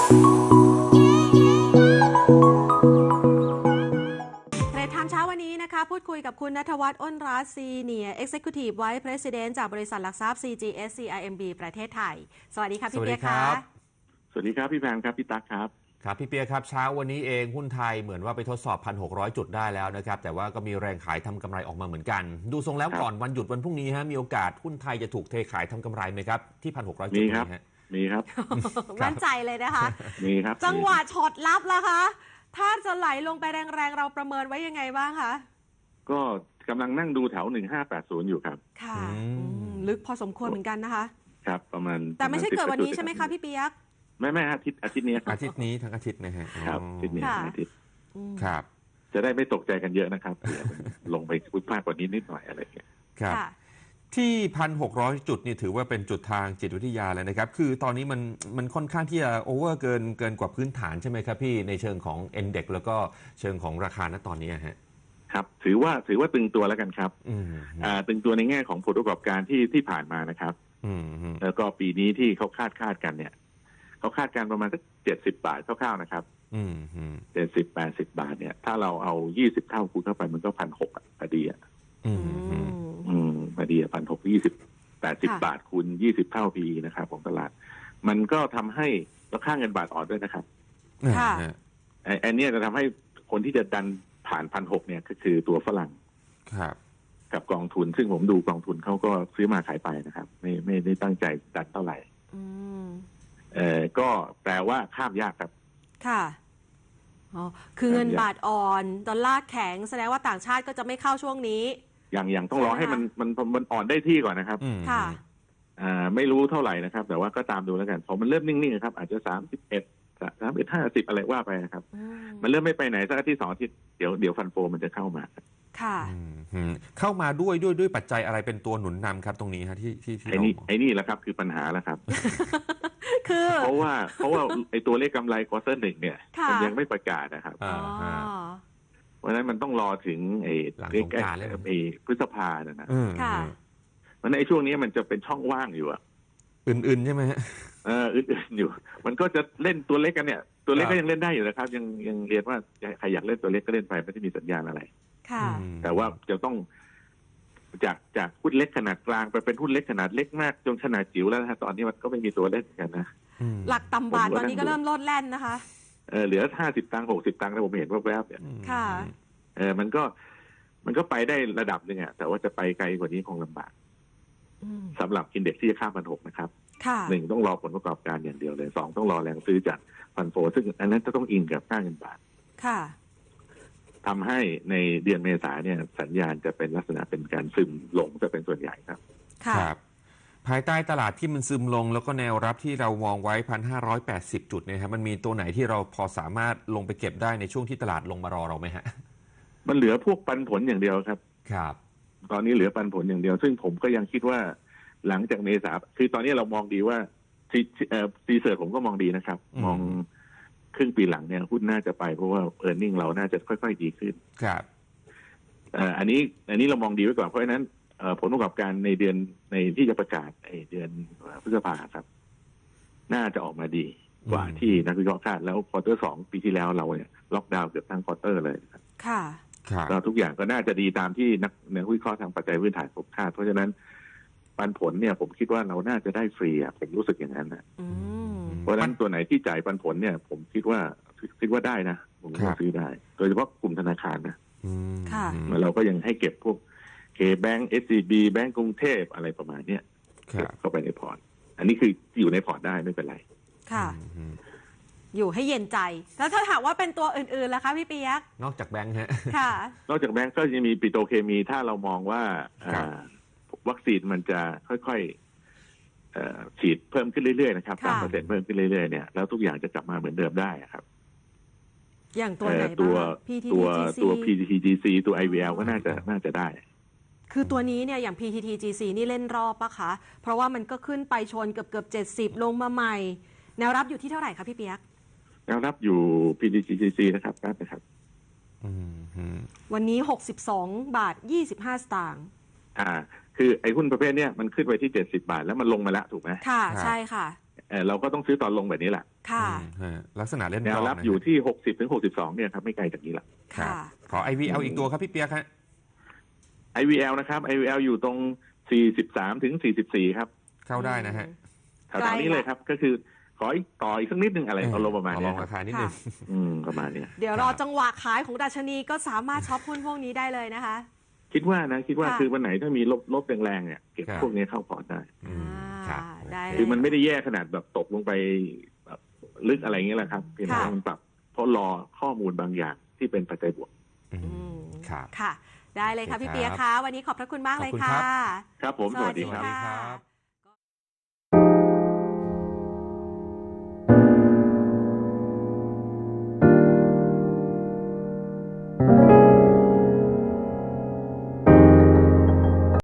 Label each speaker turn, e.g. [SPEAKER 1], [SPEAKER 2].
[SPEAKER 1] เทรดไทม์เช้าวันนี้นะคะพูดคุยกับคุณณัฐวัฒน์ อ้นรัตน์ Senior Executive Vice President จากบริษัทหลักทรัพย์ CGS CIMB ประเทศไทยสวัสดีค่ะพี่เปียกค่ะ
[SPEAKER 2] สวัสดีครับพี่แพมครับพี่ตั๊กครับ
[SPEAKER 3] ครับพี่เปียครับเช้าวันนี้เองหุ้นไทยเหมือนว่าไปทดสอบ 1,600 จุดได้แล้วนะครับแต่ว่าก็มีแรงขายทำกำไรออกมาเหมือนกันดูทรงแล้วก่อนวันหยุดวันพรุ่งนี้ฮะมีโอกาสหุ้นไทยจะถูกเทขายทำกำไรไหมครับที่ 1,600 จุดนี้ฮะ
[SPEAKER 2] มีครับ
[SPEAKER 1] มั่นใจเลยนะคะ
[SPEAKER 2] มีครับ
[SPEAKER 1] จังหวะช็อตลับล่ะคะถ้าจะไหลลงไปแรงๆเราประเมินไว้ยังไงบ้างคะ
[SPEAKER 2] ก็กำลังนั่งดูแถว1580อยู่ครับ
[SPEAKER 1] ค่ะลึกพอสมควรเหมือนกันนะคะ
[SPEAKER 2] ครับประมาณ
[SPEAKER 1] แต่ไม่ใช่เกิดวันนี้ใช่ไหมคะพี่เปียก
[SPEAKER 2] ไม่อาทิตย์นี้ครับ
[SPEAKER 3] อาทิตย์นี้ทั้งอาทิตย์นะฮะ
[SPEAKER 2] ครับอาทิตย์นี้อาทิตย์
[SPEAKER 3] ครับ
[SPEAKER 2] จะได้ไม่ตกใจกันเยอะนะครับลงไปพุดพลาดกว่านี้นิดหน่อยอะไรอย่างเงี้ย
[SPEAKER 3] ครับที่ 1,600 จุดนี่ถือว่าเป็นจุดทางจิตวิทยาเลยนะครับคือตอนนี้มันค่อนข้างที่จะโอเวอร์เกินกว่าพื้นฐานใช่ไหมครับพี่ในเชิงของ Index แล้วก็เชิงของราคาณตอนนี้ฮะ
[SPEAKER 2] ครับถือว่าตึงตัวแล้วกันครับตึงตัวในแง่ของผลประกอบการที่ผ่านมานะครับแล้วก็ปีนี้ที่เขาคาดกันเนี่ยเขาคาดการประมาณสัก70 บาทคร่าวๆนะครับ70-80 บาทเนี่ยถ้าเราเอา20 เท่าคูณเข้าไปมันก็1,600พอดีอ่ะพอดี1,600 80 บาทคูณ20 เท่าปีนะครับของตลาดมันก็ทำให้ราคาเงินบาทอ่อนด้วยนะครับอันนี้จะทำให้คนที่จะดันผ่าน1,600เนี่ยก็คือตัวฝรั่งกับกองทุนซึ่งผมดูกองทุนเขาก็ซื้อมาขายไปนะครับไม่ได้ตั้งใจดันเท่าไหร่ก็แปลว่าข้ามยากครับ
[SPEAKER 1] ค่ะอ๋อคือเงินบาทอ่อนดอลลาร์แข็งแสดงว่าต่างชาติก็จะไม่เข้าช่วงนี้
[SPEAKER 2] อย่างต้องรอให้มันอ่อนได้ที่ก่อนนะครับ
[SPEAKER 1] ค่ะ
[SPEAKER 2] ไม่รู้เท่าไหร่นะครับแต่ว่าก็ตามดูแล้วกันพอมันเริ่มนิ่งๆครับอาจจะ31-50อะไรว่าไปนะครับมันเริ่มไม่ไปไหนสักอาทิตย์2 อาทิตย์เดี๋ยวฟันโฟมันจะเข้ามา
[SPEAKER 1] ค่ะ
[SPEAKER 3] เข้ามาด้วยปัจจัยอะไรเป็นตัวหนุนนำครับตรงนี้ฮะที่
[SPEAKER 2] ไอ้นี่แหละครับคือปัญหาแล้วครับ
[SPEAKER 1] คือ
[SPEAKER 2] เพราะว่าไอ้ตัวเลขกำไรควอเตอร์ 1เนี่ยมันยังไม่ประกาศนะครับเพราะฉะนั้นมันต้องรอถึงไอ้พฤษภาเนี่ยนะเพราะในช่วงนี้มันจะเป็นช่องว่างอยู่
[SPEAKER 3] อื่นใช่ไหมฮะ
[SPEAKER 2] อื่นอยู่มันก็จะเล่นตัวเล็กกันเนี่ยตัวเล็กก็ยังเล่นได้อยู่นะครับยังเรียนว่าใครอยากเล่นตัวเล็กก็เล่นไปไม่ได้มีสัญญาณอะไรแต่ว่าจะต้องจากหุ้นเล็กขนาดกลางไปเป็นหุ้นเล็กขนาดเล็กมากจนขนาดจิ๋วแล้วนะตอนนี้มันก็ไม่มีตัวเล่นกันนะ
[SPEAKER 1] หลักต่ำบาทตอนนี้ก็เริ่มลดแล่นนะคะ
[SPEAKER 2] เหลือ50 ตังค์60 ตังค์แล้วผมเห็นว่าแวบเนี่ย
[SPEAKER 1] ค่ะ
[SPEAKER 2] มันก็ไปได้ระดับนึงอ่ะแต่ว่าจะไปไกลกว่านี้คงลำบากสำหรับอินเด็กซ์ที่จะข้าม1,600นะครับ1ต้องรอผลประกอบการอย่างเดียวเลย2ต้องรอแรงซื้อจากฟันโฟซึ่งอันนั้นจะต้องอิงกับค่าเงินบาท
[SPEAKER 1] ค่ะ
[SPEAKER 2] ทำให้ในเดือนเมษาเนี่ยสัญญาณจะเป็นลักษณะเป็นการซึมลงจะเป็นส่วนใหญ่ครับ
[SPEAKER 3] ครับภายใต้ตลาดที่มันซึมลงแล้วก็แนวรับที่เรามองไว้ 1,580 จุดเนี่ยครับมันมีตัวไหนที่เราพอสามารถลงไปเก็บได้ในช่วงที่ตลาดลงมารอเราไหมฮะ
[SPEAKER 2] มันเหลือพวกปันผลอย่างเดียวครับ
[SPEAKER 3] ครับ
[SPEAKER 2] ตอนนี้เหลือปันผลอย่างเดียวซึ่งผมก็ยังคิดว่าหลังจากเมษาคือตอนนี้เรามองดีว่าซีเสิร์ชผมก็มองดีนะครับมองครึ่งปีหลังเนี่ยหุ้นน่าจะไปเพราะว่าearning เราน่าจะค่อยๆดีขึ้น
[SPEAKER 3] ครับ
[SPEAKER 2] อันนี้เรามองดีไว้ก่อนเพราะฉะนั้นผลประกอบการในเดือนในที่จะประกาศเดือนพฤษภาครับน่าจะออกมาดีกว่าที่นักวิเคราะห์คาดแล้วควอเตอร์ 2ปีที่แล้วเราเนี่ยล็อกดาวน์เกือบทั้งควอเตอร์เลยครับ
[SPEAKER 1] ค่ะ
[SPEAKER 2] เราทุกอย่างก็น่าจะดีตามที่นักวิเคราะห์ทางปัจจัยพื้นฐานผมคาดเพราะฉะนั้นปันผลเนี่ยผมคิดว่าเราน่าจะได้ฟรีผมรู้สึกอย่างนั้นนะเพราะฉะนั้นตัวไหนที่จ่ายปันผลเนี่ยผมคิดว่าได้นะผมก็ซื้อได้โดยเฉพาะกลุ่มธนาคารนะเราก็ยังให้เก็บพวกK-Bank SCB แบงก์กรุงเทพอะไรประมาณนี้เข้าไปในพอร์ตอันนี้คืออยู่ในพอร์ตได้ไม่เป็นไร
[SPEAKER 1] ค่ะอยู่ให้เย็นใจแล้วถ้าถามว่าเป็นตัวอื่นๆล่ะคะพี่เปียก
[SPEAKER 3] นอกจากแบงค์ฮะ
[SPEAKER 1] ค่ะ
[SPEAKER 2] นอกจากแบงก์ก็จะมีปิโตรเคมีถ้าเรามองว่าวัคซีนมันจะค่อยๆฉีดเพิ่มขึ้นเรื่อยๆนะครับ3%เพิ่มขึ้นเรื่อยๆเนี่ยแล้วทุกอย่างจะกลับมาเหมือนเดิมได้ครับ
[SPEAKER 1] อย่างตัวไหน
[SPEAKER 2] ตัว
[SPEAKER 1] PTTGC
[SPEAKER 2] ตัว IVL ก็น่าจะได้
[SPEAKER 1] คือตัวนี้เนี่ยอย่าง PTTGC นี่เล่นรอบปะคะเพราะว่ามันก็ขึ้นไปชนเกือบ70ลงมาใหม่แนวรับอยู่ที่เท่าไหร่คะพี่เปียก
[SPEAKER 2] แนวรับอยู่ PTTGC นะครับ
[SPEAKER 1] วันนี้62.25 สตางค์
[SPEAKER 2] คือไอ้หุ้นประเภทเนี้ยมันขึ้นไปที่70 บาทแล้วมันลงมาแล้วถูกไหม
[SPEAKER 1] ค่ะใช่ค่ะ
[SPEAKER 2] เราก็ต้องซื้อตอนลงแบบนี้แหละ
[SPEAKER 1] ค่ะ
[SPEAKER 3] ลักษณะเล่น
[SPEAKER 2] แนวรับอยู่ที่60 ถึง 62เนี่ยครับไม่ไกลจากนี้ละ
[SPEAKER 1] ค่ะ
[SPEAKER 3] ขอ IVL อีกตัวครับพี่เปียกฮะ
[SPEAKER 2] IVL นะครับ IVL อยู่ตรง43 ถึง 44ครับ
[SPEAKER 3] เข้าได้นะฮะ
[SPEAKER 2] แถวๆนี้เลยครับก็คือขออีกต่ออีกสักนิดนึงอะไรเอาลงประมาณนี้
[SPEAKER 3] ลองราคานิดนึง
[SPEAKER 2] ประมาณนี้
[SPEAKER 1] เดี๋ยวรอจังหวะขายของดัชนีก็สามารถช็อปหุ้นพวกนี้ได้เลยนะคะ
[SPEAKER 2] คิดว่าคือวันไหนถ้ามีลบแรงๆเนี่ยเก็บพวกนี้เข้าพอร์ตได้
[SPEAKER 1] ได้
[SPEAKER 2] คือมันไม่ได้แย่ขนาดแบบตกลงไปแบบลึกอะไรเงี้ยแหละครับเพียงแต่มันปรับเพราะรอข้อมูลบางอย่างที่เป็นปัจจัยบวก
[SPEAKER 1] ค่ะได้เลยค่ะพี่เปียกค่ะวันนี้ขอบพระคุณมากเลยค่ะ
[SPEAKER 2] ครับผมสวัสดีครับ